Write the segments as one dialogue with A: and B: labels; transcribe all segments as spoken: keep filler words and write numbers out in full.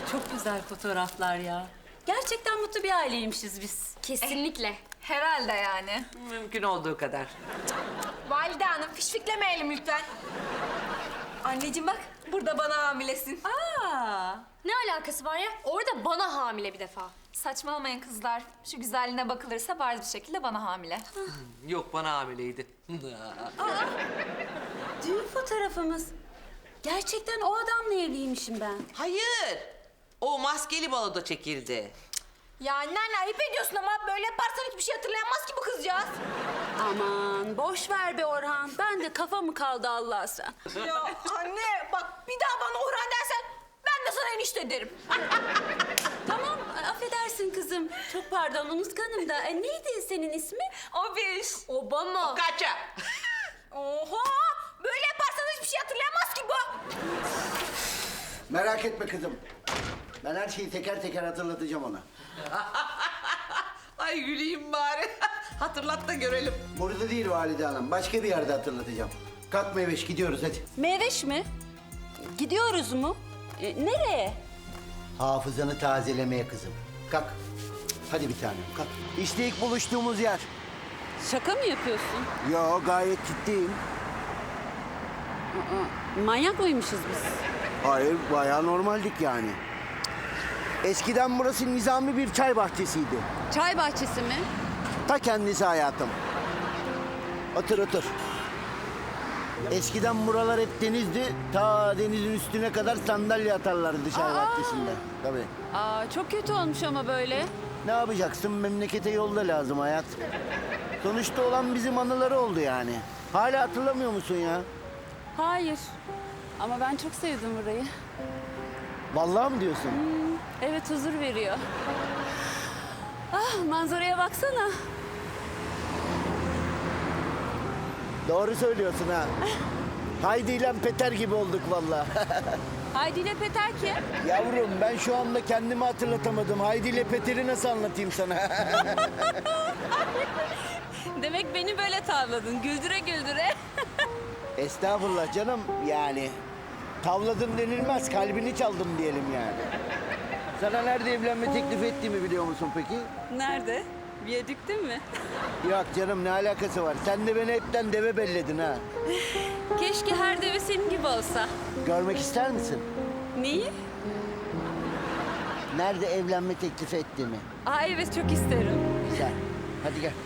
A: Çok güzel fotoğraflar ya. Gerçekten mutlu bir aileymişiz biz.
B: Kesinlikle.
C: Herhalde yani.
D: Mümkün olduğu kadar.
C: Valide Hanım fişfiklemeyelim lütfen. Anneciğim bak burada bana hamilesin.
A: Aa,
B: Ne alakası var ya? Orada bana hamile bir defa.
C: Saçmalamayın kızlar. Şu güzelliğine bakılırsa bariz bir şekilde bana hamile.
D: Yok, bana hamileydi.
A: düğün fotoğrafımız. Gerçekten o adamla evliymişim ben.
D: Hayır. O maskeli baloda çekildi.
C: Ya anneanne ayıp ediyorsun ama böyle yaparsan hiçbir şey hatırlayamaz ki bu kızcağız.
A: Aman boş ver be Orhan. Ben de kafa mı kaldı Allah sen?
C: Ya anne bak bir daha bana Orhan dersen ben de sana enişte derim.
A: Tamam affedersin kızım. Çok pardon unutkanım da. E, neydi senin ismin?
C: O bir.
B: Obama.
D: Kaça?
C: Oha! Böyle yaparsan hiçbir şey hatırlayamaz ki bu.
E: Merak etme kızım. Ben her şeyi teker teker hatırlatacağım ona.
D: Ay güleyim bari. Hatırlat da görelim.
E: Burada değil Valide Hanım. Başka bir yerde hatırlatacağım. Kalk Meyveş gidiyoruz hadi.
A: Meyveş mi? Gidiyoruz mu? E, nereye?
E: Hafızanı tazelemeye kızım. Kalk. Hadi bir tanem kalk. İşte ilk buluştuğumuz yer.
A: Şaka mı yapıyorsun?
E: Yo gayet ciddiyim.
A: Manyak mıymışız biz?
E: Hayır bayağı normaldik yani. Eskiden burası nizami bir çay bahçesiydi.
A: Çay bahçesi mi?
E: Ta kendisi hayatım. Otur otur. Eskiden buralar hep denizdi. Ta denizin üstüne kadar sandalye atarlardı çay bahçesinde. Tabii.
A: Aa, çok kötü olmuş ama böyle.
E: Ne yapacaksın? Memlekete yolda lazım hayat. Sonuçta olan bizim anıları oldu yani. Hala hatırlamıyor musun ya?
A: Hayır. Ama ben çok sevdim burayı.
E: Vallahi mı diyorsun?
A: Evet huzur veriyor. Ah manzaraya baksana.
E: Doğru söylüyorsun ha. Haydi ile Peter gibi olduk vallahi.
A: Haydi ile Peter kim?
E: Yavrum ben şu anda kendimi hatırlatamadım. Haydi ile Peter'i nasıl anlatayım sana?
A: Demek beni böyle tavladın. Güldüre güldüre.
E: Estağfurullah canım yani. Tavladım denilmez, kalbini çaldım diyelim yani. Sana nerede evlenme teklif ettiğimi biliyor musun peki?
A: Nerede? Viyadükte mi?
E: Yok canım ne alakası var? Sen de beni hepten deve belledin ha.
A: Keşke her deve senin gibi olsa.
E: Görmek ister misin?
A: Neyi?
E: Nerede evlenme teklif ettiğimi.
A: Aa evet çok isterim.
E: Güzel. Hadi gel.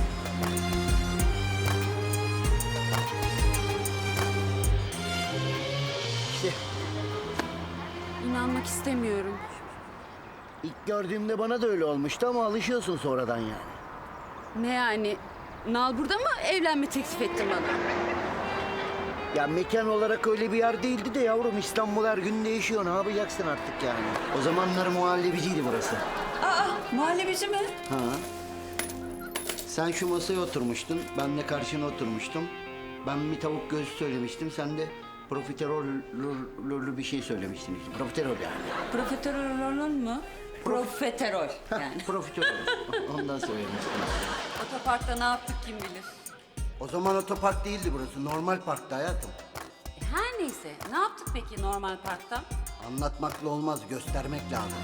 E: İşte
A: İnanmak istemiyorum.
E: ilk gördüğümde bana da öyle olmuştu ama alışıyorsun sonradan yani.
A: Ne yani? Nal burada mı evlenme teklif ettin bana?
E: Ya mekan olarak öyle bir yer değildi de yavrum İstanbul her gün değişiyor. Ne yapacaksın artık yani? O zamanlar muhallebiciydi burası.
A: Aa muhallebici mi?
E: Ha. Sen şu masaya oturmuştun, ben de karşına oturmuştum. Ben bir tavuk göğsü söylemiştim, sen de profiterol bir şey söylemiştin işte. Profiterol yani.
A: Profiterol mu? Profiterol yani.
E: Profiterol. Ondan söylemiştim.
A: Otoparkta ne yaptık kim bilir.
E: O zaman otopark değildi burası, normal parktı hayatım.
A: E, her neyse ne yaptık peki normal parkta?
E: Anlatmakla olmaz, göstermek lazım.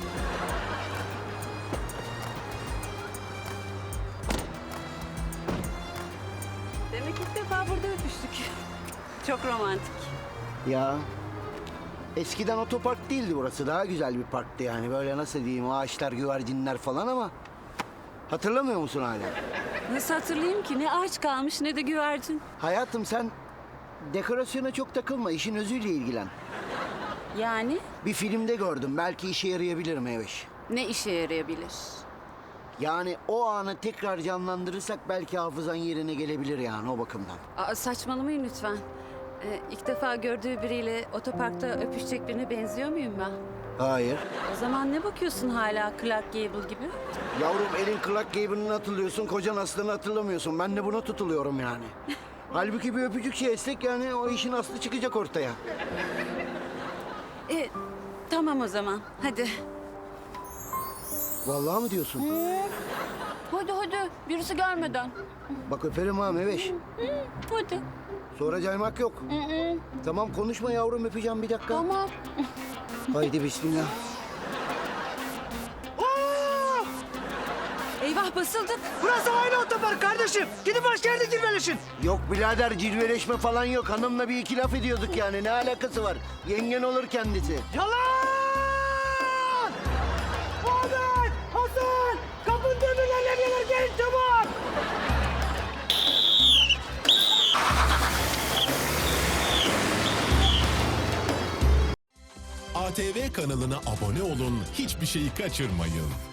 A: Demek ilk defa burada öpüştük. Çok romantik.
E: Ya eskiden otopark değildi burası. Daha güzel bir parktı yani. Böyle nasıl diyeyim ağaçlar, güvercinler falan ama... Hatırlamıyor musun hala?
A: Nasıl hatırlayayım ki? Ne ağaç kalmış ne de güvercin.
E: Hayatım sen dekorasyona çok takılma. İşin özüyle ilgilen.
A: Yani
E: Bir filmde gördüm. Belki işe yarayabilir Meyveş.
A: ne işe yarayabilir?
E: Yani o anı tekrar canlandırırsak belki hafızan yerine gelebilir yani o bakımdan.
A: Aa, saçmalamayın lütfen. Ee, ilk defa gördüğü biriyle otoparkta öpüşecek birine benziyor muyum ben?
E: Hayır.
A: O zaman ne bakıyorsun hala Clark Gable gibi?
E: Yavrum elin Clark Gable'ını hatırlıyorsun, kocan aslını hatırlamıyorsun. Ben de buna tutuluyorum yani. Halbuki bir öpücük şey etsek yani o işin aslı çıkacak ortaya.
A: E, tamam o zaman. Hadi.
E: Vallahi mı diyorsun?
A: Hadi hadi. Birisi gelmeden.
E: Bak öperim ha Meveş.
A: Hadi.
E: Sonra caymak yok. Tamam konuşma yavrum öpeceğim bir dakika.
A: Tamam.
E: Haydi bismillah.
A: Eyvah basıldık.
F: Burası aynı otopark kardeşim. Gidin başka yerde cilveleşin.
E: Yok birader cilveleşme falan yok. Hanımla bir iki laf ediyorduk yani. Ne alakası var? Yengen olur kendisi.
F: Yalan! Ahmet! Hasan! Kapının demirlerine gelir gelin çabuk!
G: A T V kanalına abone olun, hiçbir şeyi kaçırmayın.